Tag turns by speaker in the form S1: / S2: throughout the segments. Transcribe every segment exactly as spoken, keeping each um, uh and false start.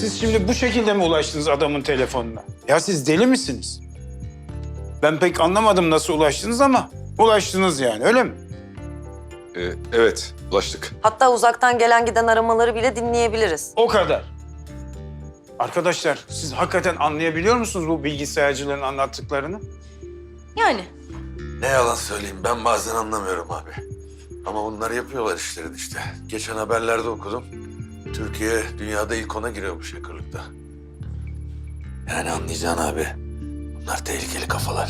S1: Siz şimdi bu şekilde mi ulaştınız adamın telefonuna? Ya siz deli misiniz? Ben pek anlamadım nasıl ulaştınız ama ulaştınız yani, öyle mi?
S2: Ee, evet, ulaştık.
S3: Hatta uzaktan gelen giden aramaları bile dinleyebiliriz.
S1: O kadar. Arkadaşlar, siz hakikaten anlayabiliyor musunuz bu bilgisayarcıların anlattıklarını?
S3: Yani.
S4: Ne yalan söyleyeyim, ben bazen anlamıyorum abi. Ama bunlar yapıyorlar işlerini işte. Geçen haberlerde okudum. Türkiye dünyada ilk ona giriyormuş hackerlıkta. Yani anlayacaksın abi. Bunlar tehlikeli kafalar.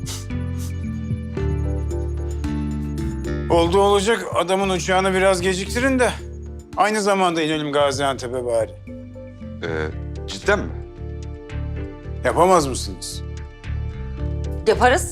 S1: Oldu olacak, adamın uçağını biraz geciktirin de aynı zamanda inelim Gaziantep'e bari.
S2: Ee, cidden mi?
S1: Yapamaz mısınız?
S3: Yaparız.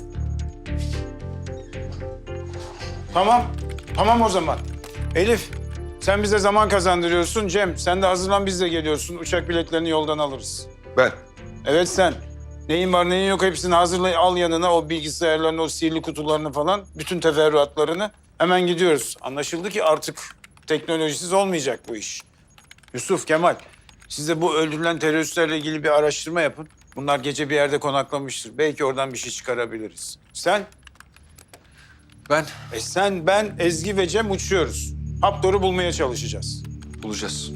S1: Tamam, tamam o zaman. Elif, sen bize zaman kazandırıyorsun. Cem, sen de hazırlan, biz de geliyorsun. Uçak biletlerini yoldan alırız.
S2: Ben.
S1: Evet sen. Neyin var neyin yok hepsini hazırla, al yanına o bilgisayarlarını, o sihirli kutularını falan. Bütün teferruatlarını. Hemen gidiyoruz. Anlaşıldı ki artık teknolojisiz olmayacak bu iş. Yusuf, Kemal, siz de bu öldürülen teröristlerle ilgili bir araştırma yapın. Bunlar gece bir yerde konaklamıştır. Belki oradan bir şey çıkarabiliriz. Sen?
S2: Ben.
S1: E sen, ben, Ezgi ve Cem uçuyoruz. Haptor'u bulmaya çalışacağız.
S2: Bulacağız.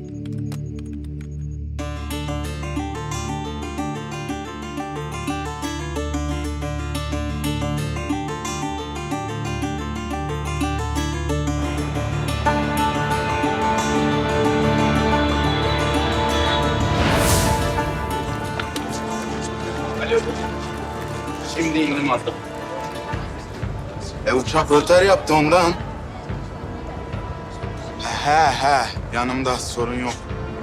S1: Şimdi indim artık.
S5: E uçak röter yaptı ondan. He he, yanımda sorun yok.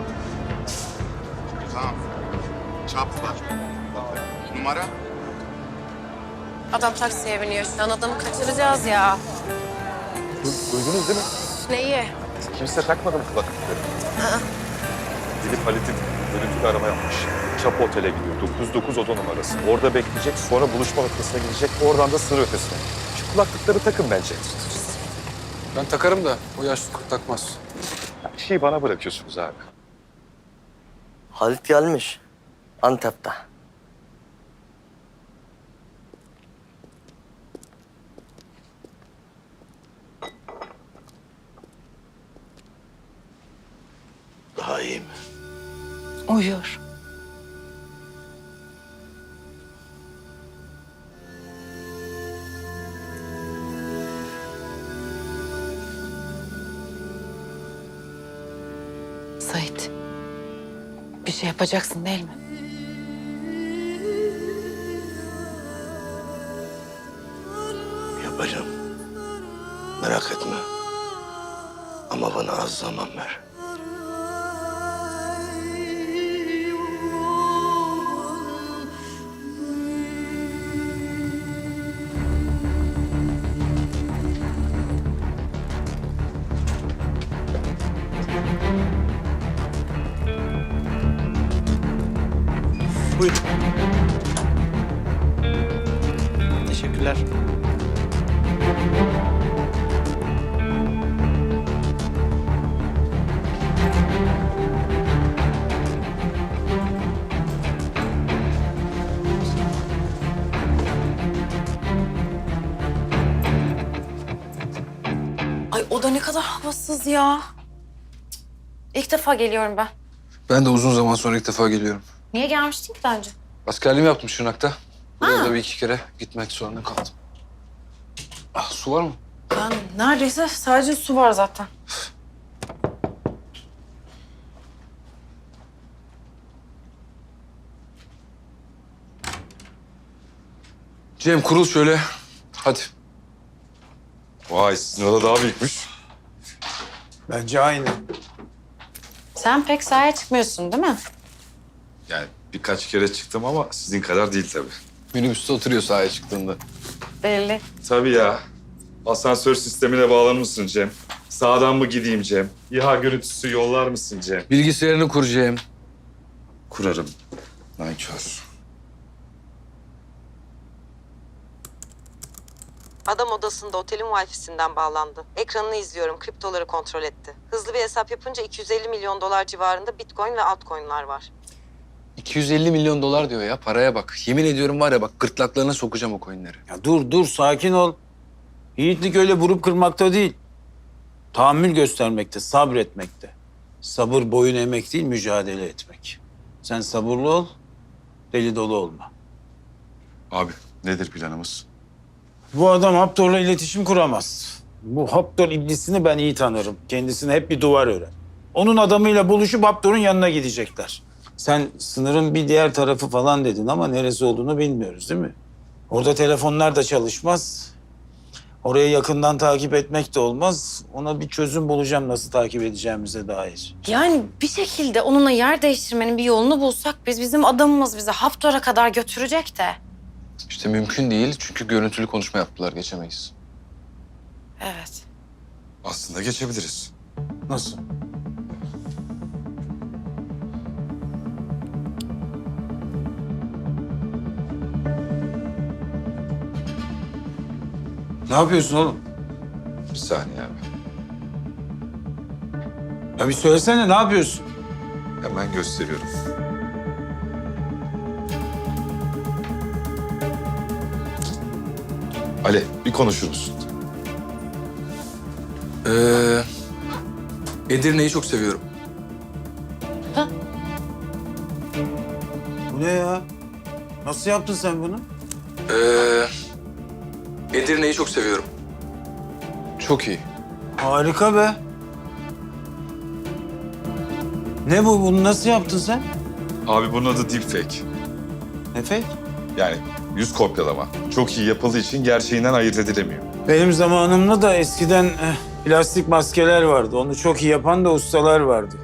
S5: Tamam. Çap var. Numara?
S6: Adam taksiye biniyor. Şu an adamı kaçıracağız ya.
S2: Duydunuz değil mi?
S6: Neyi?
S2: Kimse takmadı mı kulaklıkları? Gidip Halit'in görüntülü arama yapmış. Çap Otel'e gidiyor. dokuz dokuz oda numarası. Orada bekleyecek, sonra buluşma noktasına gidecek. Oradan da sınır ötesine. Şu kulaklıkları takın bence.
S7: Ben takarım da o yaşlı kurt takmaz.
S2: Bir şeyi bana bırakıyorsunuz abi.
S8: Halit gelmiş. Antep'te.
S4: Daha iyi mi?
S3: Uyuyor.
S6: Sait. Bir şey yapacaksın değil mi?
S4: Yapacağım. Merak etme. Ama bana az zaman ver.
S1: Buyurun.
S8: Teşekkürler.
S6: Ay o da ne kadar havasız ya. İlk defa geliyorum ben.
S7: Ben de uzun zaman sonra ilk defa geliyorum.
S6: Niye gelmiştin ki daha önce?
S7: Askerliğimi yaptım Şırnak'ta. Buraya da bir iki kere gitmek zorunda kaldım. Ah, su var mı?
S6: Ben neredeyse sadece su var zaten.
S7: Cem kurul şöyle. Hadi.
S2: Vay, sizin oda daha büyükmüş.
S1: Bence aynı.
S6: Sen pek sahaya çıkmıyorsun değil mi?
S2: Yani birkaç kere çıktım ama sizin kadar değil tabii.
S7: Minibüste oturuyor sahaya çıktığında.
S6: Belli.
S2: Tabii ya. Asansör sistemine bağlanır mısın Cem? Sağdan mı gideyim Cem? İHA görüntüsü yollar mısın Cem?
S7: Bilgisayarını kur Cem.
S2: Kurarım. Nankör.
S3: Adam odasında otelin Wi-Fi'sinden bağlandı. Ekranını izliyorum, kriptoları kontrol etti. Hızlı bir hesap yapınca iki yüz elli milyon dolar civarında Bitcoin ve altcoin'lar var.
S7: iki yüz elli milyon dolar diyor ya. Paraya bak. Yemin ediyorum var ya bak gırtlaklarına sokacağım o coinleri.
S1: Ya dur dur sakin ol. Yiğitlik öyle vurup kırmakta değil. Tahammül göstermekte, sabretmekte. Sabır boyun emek değil, mücadele etmek. Sen sabırlı ol, deli dolu olma.
S2: Abi nedir planımız?
S1: Bu adam Haptor'la iletişim kuramaz. Bu Haptor iblisini ben iyi tanırım. Kendisine hep bir duvar örer. Onun adamıyla buluşup Haptor'un yanına gidecekler. Sen sınırın bir diğer tarafı falan dedin ama neresi olduğunu bilmiyoruz değil mi? Orada telefonlar da çalışmaz. Orayı yakından takip etmek de olmaz. Ona bir çözüm bulacağım nasıl takip edeceğimize dair.
S6: Yani bir şekilde onunla yer değiştirmenin bir yolunu bulsak biz bizim adamımız bizi Haftor'a kadar götürecek de.
S7: İşte mümkün değil çünkü görüntülü konuşma yaptılar. Geçemeyiz.
S6: Evet.
S2: Aslında geçebiliriz.
S1: Nasıl? Ne yapıyorsun oğlum?
S2: Bir saniye abi.
S1: Ya bir söylesene ne yapıyorsun?
S2: Hemen gösteriyorum. Ali bir konuşur musun?
S7: Ee, Edirne'yi çok seviyorum.
S1: Bu ne ya? Nasıl yaptın sen bunu?
S7: Ee, Edirne'yi çok seviyorum. Çok iyi.
S1: Harika be. Ne bu? Bunu nasıl yaptın sen?
S2: Abi bunun adı deepfake.
S1: Ne fake?
S2: Yani yüz kopyalama. Çok iyi yapıldığı için gerçeğinden ayırt edilemiyor.
S1: Benim zamanımda da eskiden eh, plastik maskeler vardı. Onu çok iyi yapan da ustalar vardı.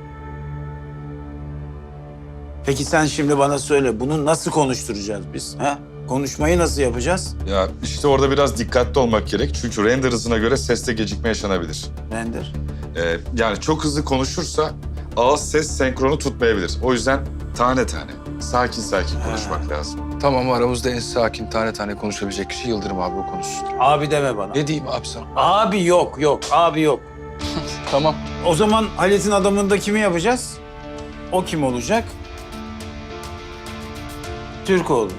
S1: Peki sen şimdi bana söyle, bunu nasıl konuşturacağız biz? Ha? Konuşmayı nasıl yapacağız?
S2: Ya işte orada biraz dikkatli olmak gerek. Çünkü render hızına göre seste gecikme yaşanabilir.
S1: Render.
S2: Ee, yani çok hızlı konuşursa ağız ses senkronu tutmayabilir. O yüzden tane tane, sakin sakin konuşmak lazım.
S7: Tamam aramızda en sakin tane tane konuşabilecek kişi Yıldırım abi o konuşsun.
S1: Abi deme bana.
S7: Ne diyeyim abi sana?
S1: Abi yok, yok. Abi yok.
S7: Tamam.
S1: O zaman Halit'in adamında kimi yapacağız? O kim olacak? Türkoğlu.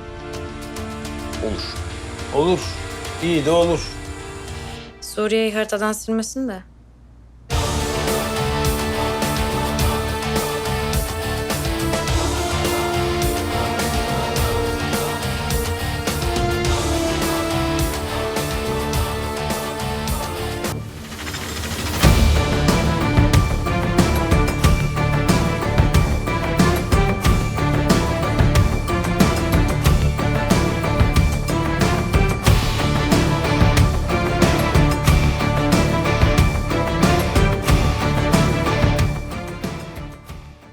S7: Olur.
S1: Olur. İyi de olur.
S6: Suriye'yi haritadan silmesin de.